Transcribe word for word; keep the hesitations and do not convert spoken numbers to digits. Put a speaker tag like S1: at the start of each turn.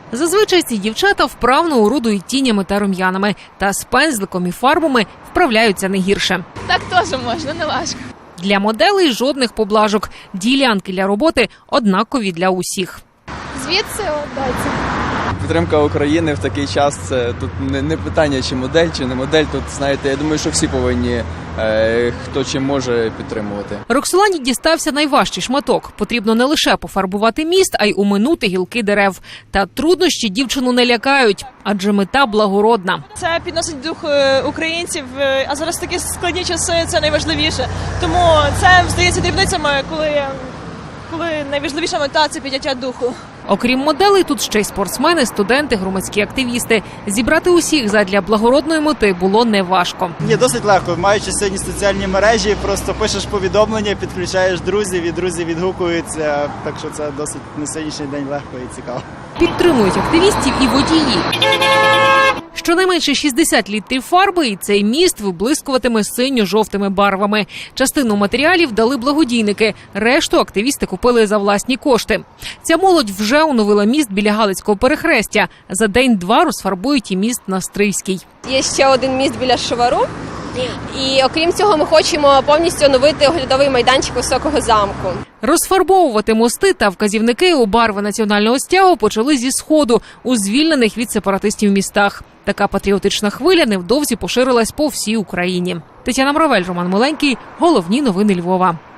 S1: Зазвичай ці дівчата вправно орудують тінями та рум'янами, та з пензликом і фарбами вправляються не гірше.
S2: Так теж можна, не важко.
S1: Для моделей жодних поблажок. Ділянки для роботи однакові для усіх.
S2: Звідси дайте.
S3: Підтримка України в такий час – це тут не, не питання, чи модель, чи не модель. Тут, знаєте, я думаю, що всі повинні, е, хто чим може, підтримувати.
S1: Роксолані дістався найважчий шматок. Потрібно не лише пофарбувати міст, а й уминути гілки дерев. Та труднощі дівчину не лякають, адже мета благородна.
S4: Це підносить дух українців, а зараз такі складні часи – це найважливіше. Тому це, здається, дрібницями, коли, коли найважливіша мета – це підняття духу.
S1: Окрім моделей, тут ще й спортсмени, студенти, громадські активісти. Зібрати усіх задля благородної мети було неважко.
S5: Ні, досить легко. Маючи сьогодні соціальні мережі, просто пишеш повідомлення, підключаєш друзів, і друзі відгукуються. Так що це досить на сьогоднішній день легко і цікаво.
S1: Підтримують активістів і водії. Щонайменше шістдесят літрів фарби, і цей міст виблискуватиме синьо-жовтими барвами. Частину матеріалів дали благодійники, решту активісти купили за власні кошти. Ця молодь вже оновила міст біля Галицького перехрестя. За день-два розфарбують і міст на Стрийській.
S6: Є ще один міст біля Шувару. І окрім цього ми хочемо повністю оновити оглядовий майданчик Високого замку.
S1: Розфарбовувати мости та вказівники у барви національного стягу почали зі Сходу, у звільнених від сепаратистів містах. Така патріотична хвиля невдовзі поширилась по всій Україні. Тетяна Мравель, Роман Миленький. Головні новини Львова.